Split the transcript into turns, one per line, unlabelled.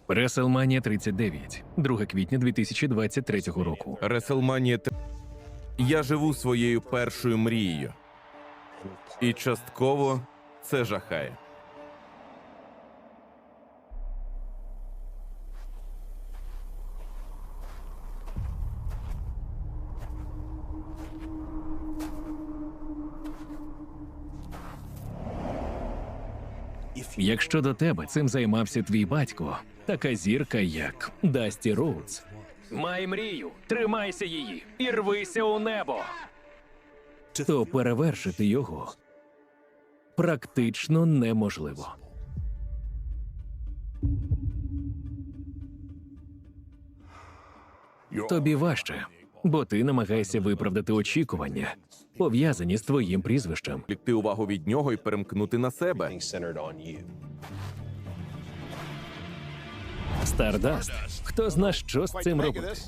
WrestleMania 39, 2 квітня 2023 року.
WrestleMania 3. Я живу своєю першою мрією. І частково це жахає.
Якщо до тебе цим займався твій батько, така зірка, як Дасті Роудс. Май мрію, тримайся її і рвися у небо. То перевершити його практично неможливо. Тобі важче, бо ти намагаєшся виправдати очікування, пов'язані з твоїм прізвищем.
Відвлекти увагу від нього і перемкнути на себе.
centered on you.
Стардаст. Хто зна, що з цим робити?